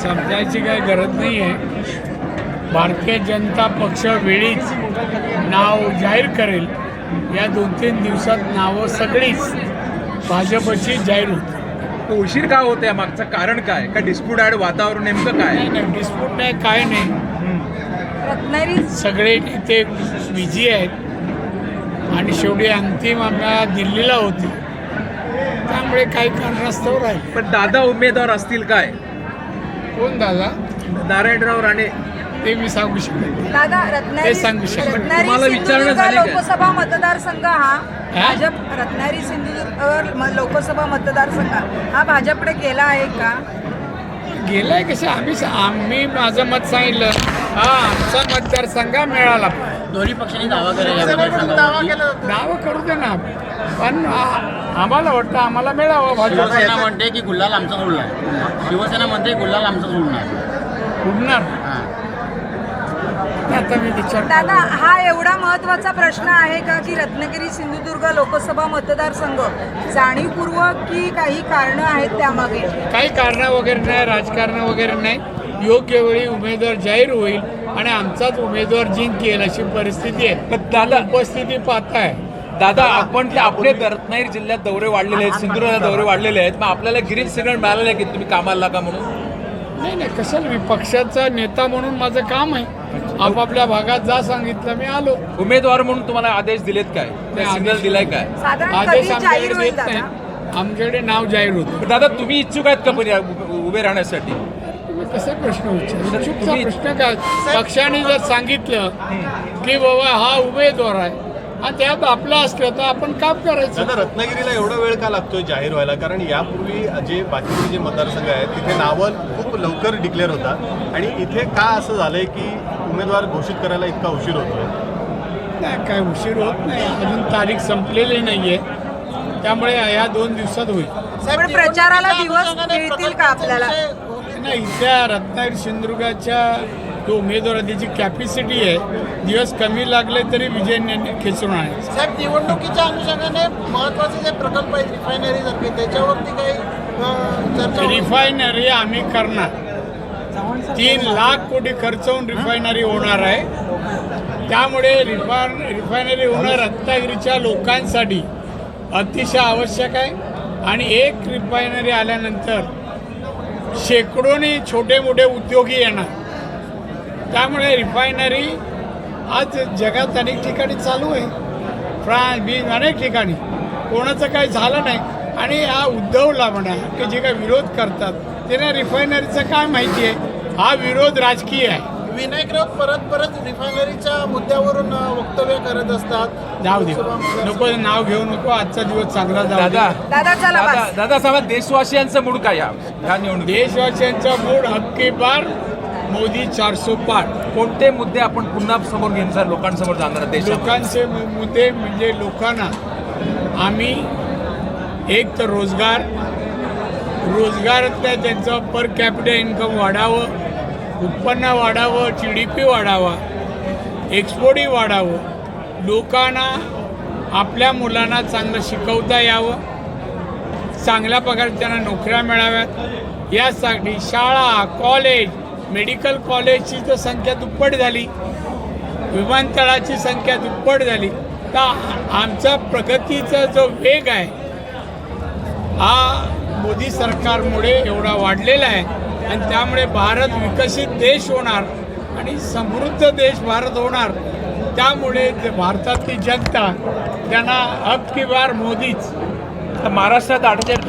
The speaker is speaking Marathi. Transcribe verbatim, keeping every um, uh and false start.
समजायची काही गरज नाही आहे. भारतीय जनता पक्ष वेळीच नाव जाहीर करेल. या दोन तीन दिवसात नावं सगळीच भाजपची जाहीर होती. उशीर का होते मागचं कारण काय? का डिस्प्यूट आहे वातावरण नेमकं काय? नाही नाही डिस्प्यूट नाही काय नाही. सगळे नेते बिझी आहेत आणि शेवटी अंतिम आम्हाला दिल्लीला होती, त्यामुळे काही कारणास्तव राहील. पण दादा उमेदवार असतील काय? कोण दादा? नारायणराव राणे. ते मी सांगू शकतो. दादा रत्नागिरी ते सांगू शकतो. रत्नागिरी तुम्हाला विचारणं सिंधुदुर्ग झाली काय? लोकसभा मतदारसंघ हा हा? भाजप रत्नागिरी सिंधुदुर्ग म- लोकसभा मतदारसंघ हा भाजपकडे गेला आहे का? गेलाय कसं आम्ही आम्ही माझं मत सांगितलं. हा आमचा मतदारसंघ मिळाला. दोन्ही पक्षांनी दावा केला. दावा करू दे ना, पण आ- आम्हाला वाटतं आम्हाला मिळावं भाजप. शिवसेना म्हणते की गुल्हाल आमचाच उडणार. शिवसेना म्हणते गुल्हाल आमचाच उडणार. उडणार आता मी विचार दादा हा एवढा महत्त्वाचा प्रश्न आहे का की रत्नागिरी सिंधुदुर्ग लोकसभा मतदारसंघ जाणीवपूर्वक की काही कारणं आहेत त्यामागे? काही कारणं वगैरे नाही, राजकारण वगैरे नाही. योग्य वेळी उमेदवार जाहीर होईल आणि आमचाच उमेदवार जिंकेल अशी परिस्थिती आहे. पण दादा उपस्थिती पाहताय. दादा आपण ते आपले रत्नागिरी जिल्ह्यात दौरे वाढलेले आहेत, सिंधुदुर्गात दौरे वाढलेले आहेत, मग आपल्याला ग्रीन सिग्नल मिळालेलं आहे की तुम्ही कामाला लागा म्हणून? नाही नाही कशाला, मी पक्षाचा नेता म्हणून माझं काम आहे. आपापल्या भागात जा सांगितलं मी आलो. उमेदवार म्हणून तुम्हाला आदेश दिलेत काय? नाही, सिग्नल आदेश- दिलाय काय? साधारण आदेश कधी जाहीर आमच्याकडे होईल येत नाही. दादा? आमच्याकडे नाव जाहीर होतं. पण दादा तुम्ही इच्छुक आहेत का पण या उभे उभे राहण्यासाठी? तुम्ही कसे प्रश्न विचारता? चुकचा तुम्ही- प्रश्न काय? पक्षाने जर सांगितलं की बाबा हा उमेदवार आहे आणि त्यात आपला असलं तर आपण काम करायचं. दादा रत्नागिरीला एवढा वेळ का लागतोय जाहीर व्हायला? कारण यापूर्वी जे बाकीचे जे मतदारसंघ आहेत तिथे नावं खूप लवकर डिक्लेअर होतात आणि इथे का असं झालंय की उमेदवार घोषित करायला इतका उशीर होतोय? नाही काय उशीर होत नाही, अजून तारीख संपलेली नाहीये, त्यामुळे या दोन दिवसात होईल. पण प्रचाराला दिवस मिळतील का आपल्याला? नाही इथल्या रत्नागिरी सिंधुदुर्गाच्या जो उमेदवार आहे त्याची कॅपॅसिटी आहे, दिवस कमी लागले तरी विजय खेचून आहे. साहेब निवडणुकीच्या अनुषंगाने महत्वाचे जे प्रकल्प आहेत रिफायनरी सारखे त्याच्यावरती काही अं, चर्चा रिफायनरी आम्ही करणार. तीन लाख कोटी खर्च होऊन रिफायनरी होणार आहे. त्यामुळे रिफायन रिफायनरी होणं रत्नागिरीच्या लोकांसाठी अतिशय आवश्यक आहे. आणि एक रिफायनरी आल्यानंतर शेकडोनी छोटे मोठे उद्योगी येणार. त्यामुळे रिफायनरी आज जगात अनेक ठिकाणी चालू आहे, फ्रान्स बीज अनेक ठिकाणी. कोणाचं काही झालं नाही. आणि हा उद्धवला म्हणा की जे काही विरोध करतात त्यांना रिफायनरीचं काय माहिती आहे? हा विरोध राजकीय आहे. विनायक राऊत परत परत रिफायनरीच्या मुद्द्यावरून अं, वक्तव्य करत असतात. जाऊ दे, नको नाव घेऊ नको. आजचा दिवस चांगला जाऊ दे. दादा दादा चला दादा बस. दादा सांगा देशवासियांचं मूड काय या ह्या निवडणुकीत? देशवासियांचा मूड हक्की बार, मोदी चारसो पाठ. कोणते मुद्दे आपण पुन्हा समोर घेणार, लोकांसमोर जाणार देशात? लोकांचे मु- मुद्दे म्हणजे लोकांना आम्ही एक तर रोजगार रोजगारातल्या त्यांचं पर कॅपिटल इन्कम वाढावं, उत्पन्न वाढावं, जी डी पी वाढावा, एक्सपोर्टही वाढावं, लोकांना आपल्या मुलांना चांगलं शिकवता यावं, चांगल्या प्रकारे त्यांना नोकऱ्या मिळाव्यात. यासाठी शाळा, कॉलेज, मेडिकल कॉलेजची तर संख्या दुप्पट झाली, विमानतळाची संख्या दुप्पट झाली. तर आमचा प्रगतीचा जो वेग आहे हा मोदी सरकारमुळे एवढा वाढलेला आहे. आणि त्यामुळे भारत विकसित देश होणार आणि समृद्ध देश भारत होणार. त्यामुळे भारतातली जनता त्यांना अब की बार मोदीच. महाराष्ट्रात अठ्ठेचाळीस